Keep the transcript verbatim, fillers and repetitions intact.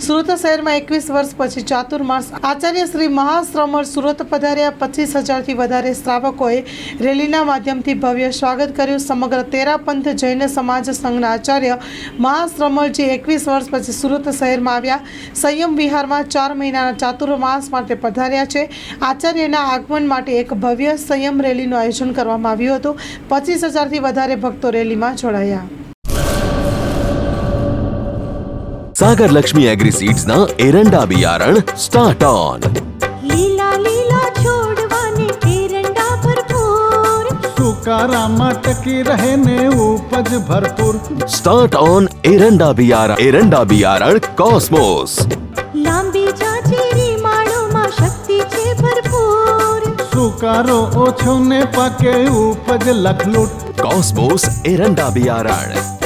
સુરત શહેરમાં એકવીસ વર્ષ પછી ચાતુર્માસ આચાર્ય શ્રી મહાશ્રમણ સુરત પધાર્યા। પચીસ હજારથી વધારે શ્રાવકોએ રેલીના માધ્યમથી ભવ્ય સ્વાગત કર્યું। સમગ્ર તેરા પંથ જૈન સમાજ સંઘના આચાર્ય મહાશ્રમણજી એકવીસ વર્ષ પછી સુરત શહેરમાં આવ્યા। સંયમ વિહારમાં ચાર મહિનાના ચાતુર્માસ માટે પધાર્યા છે। આચાર્યના આગમન માટે એક ભવ્ય સંયમ રેલીનું આયોજન કરવામાં આવ્યું હતું। પચીસ હજારથી વધારે ભક્તો રેલીમાં જોડાયા। सागर लक्ष्मी एग्री सीड्स ना एरंडा बियारण स्टार्ट ऑन। लीला लीला छोड़वाने एरंडा भरपूर, सुकारामा टकी रहे ने उपज भरपूर। स्टार्ट ऑन एरंडा बियारण एरंडा बियारण कॉस्मोस। लांबी जाचेरी माळो मा शक्ति छे भरपूर, सुकारो ओछो ने पाके उपज लखलूट। कॉस्मोस एरंडा बियारण।